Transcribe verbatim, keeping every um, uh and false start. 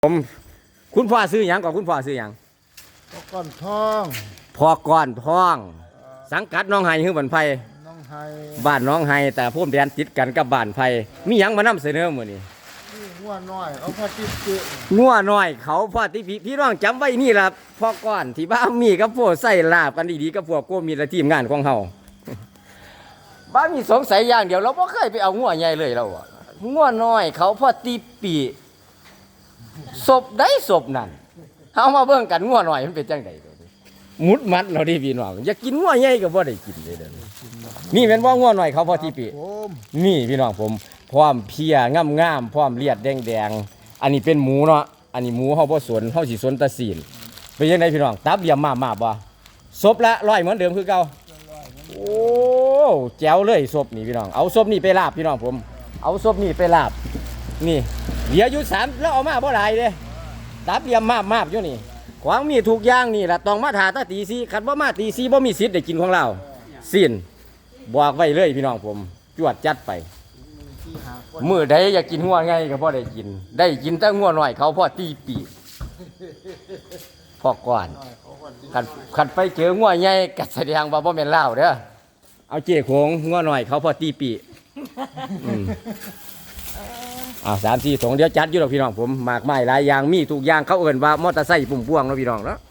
ผมคุณพ่อซื้อหยังก่อนคุณพ่อซื้อหยังพอก้อนทองพ่อก้อนท้อง สังกัดน้องไห้ฮือบันไพน้องไฮบ้านน้องไห้แต่พุ่มแดนติดกันกับบ้านไพมีหยังมานำเสนอมื้อนี้นี่งัวน้อยเอาพอติดเจืองัวน้อยเขาพ่อที่พี่พี่น้องจำไว้นี่ล่ะพ่อก้อนที่บ้านมีกับพวกใส่ลาบกันดีๆกับพวกโกมีและทีมงานของเฮาบ้านมีสงสัยอย่างเดียวเราบ่เคยไปเอางัวใหญ่เลยเราอะงัวน้อยเขาพ่อตีปีศพได้ศพนั่นเอามาเบิ่งกันงัวน้อยมันเป็นจังได๋มุดมัดเราดิพี่น้องอยากกินงัวใหญ่ก็บ่ได้กินเลยเด้อนี่แม่นบ่งัวน้อยเขาพ่อตีปีนี่พี่น้องผมพร้อมเพียงามๆพร้อมเลียดแดงๆอันนี้เป็นหมูเนาะอันนี้หมูเฮาบ่สนเฮาสิสนแตะศีลเป็นจังไดพี่น้องตับเหลี่ยมมาๆบ่ศพละร้อยเหมือนเดิมคือเก่าโอ้แจ๋วเลยศพนี่พี่น้องเอาศพนี่ไปลาบพี่น้องผมเอาศพนี่ไปลาบนี่เหลืออยู่สามแล้วเอามาบ่หลายเด้ตับเหลี่ยมมาๆอยู่นี่ของมีทุกอย่างนี่ล่ะต้องมาถ่าตาตีสี่คันบ่มาตีสี่บ่มีสิทธิ์ได้กินของเราสิ้นบอกไว้เลยพี่น้องผมจวดจัดไปมื้อใดอยากกินงัวไงก็บ่ได้กินได้กินแต่งัวน้อยเขาพอตีปีพอก่อนคันคันไปเจองัวใหญ่ก็แสดงว่าบ่แม่นลาวเด้อเอาเจ๊โขงงัวน้อยเขาพอตีปีอืมอ้าวสามสี่ถุงเดี๋ยวจัดอยู่ดอกพี่น้องผมหมากไม้หลายอย่างมีทุกอย่างเขาเอิ้นว่ามอเตอร์ไซค์ปุ่มพวงเนาะพี่น้องเนาะ